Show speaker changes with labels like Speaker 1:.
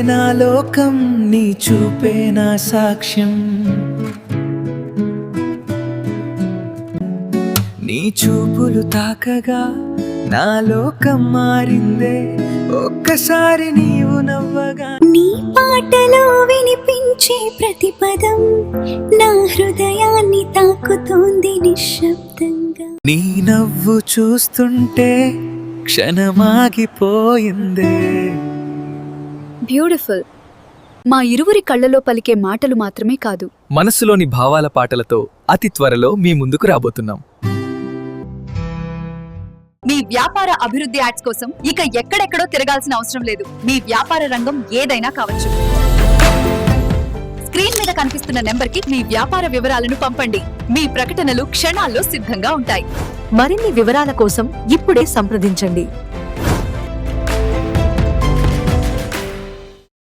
Speaker 1: నా లోకం, నీ చూపే నా సాక్ష్యం. నీ చూపులు తాకగా నా లోకం మారిందే, ఒక్కసారి నీవు నవ్వగా.
Speaker 2: నీ పాటలో వినిపించే ప్రతి పదం నా హృదయాన్ని తాకుతోంది నిశ్శబ్దంగా.
Speaker 1: నీ నవ్వు చూస్తుంటే క్షణమాగిపోయిందే.
Speaker 3: బ్యూటిఫుల్. మా ఇరువురి కళ్ళలో పలికే మాటలు మాత్రమే కాదు,
Speaker 4: మనసులోని భావాల పాటలతో అతి త్వరలో మీ ముందుకు రాబోతున్నాం.
Speaker 3: మీ వ్యాపార అభివృద్ధి యాడ్స్ కోసం ఇక ఎక్కడెక్కడో తిరగాల్సిన అవసరం లేదు. మీ వ్యాపార రంగం ఏదైనా కావచ్చు. స్క్రీన్ మీద కనిపిస్తున్న నెంబర్కి మీ వ్యాపార వివరాలను పంపండి. మీ ప్రకటనలు క్షణాల్లో సిద్ధంగా ఉంటాయి.
Speaker 5: మరిన్ని వివరాల కోసం ఇప్పుడే సంప్రదించండి.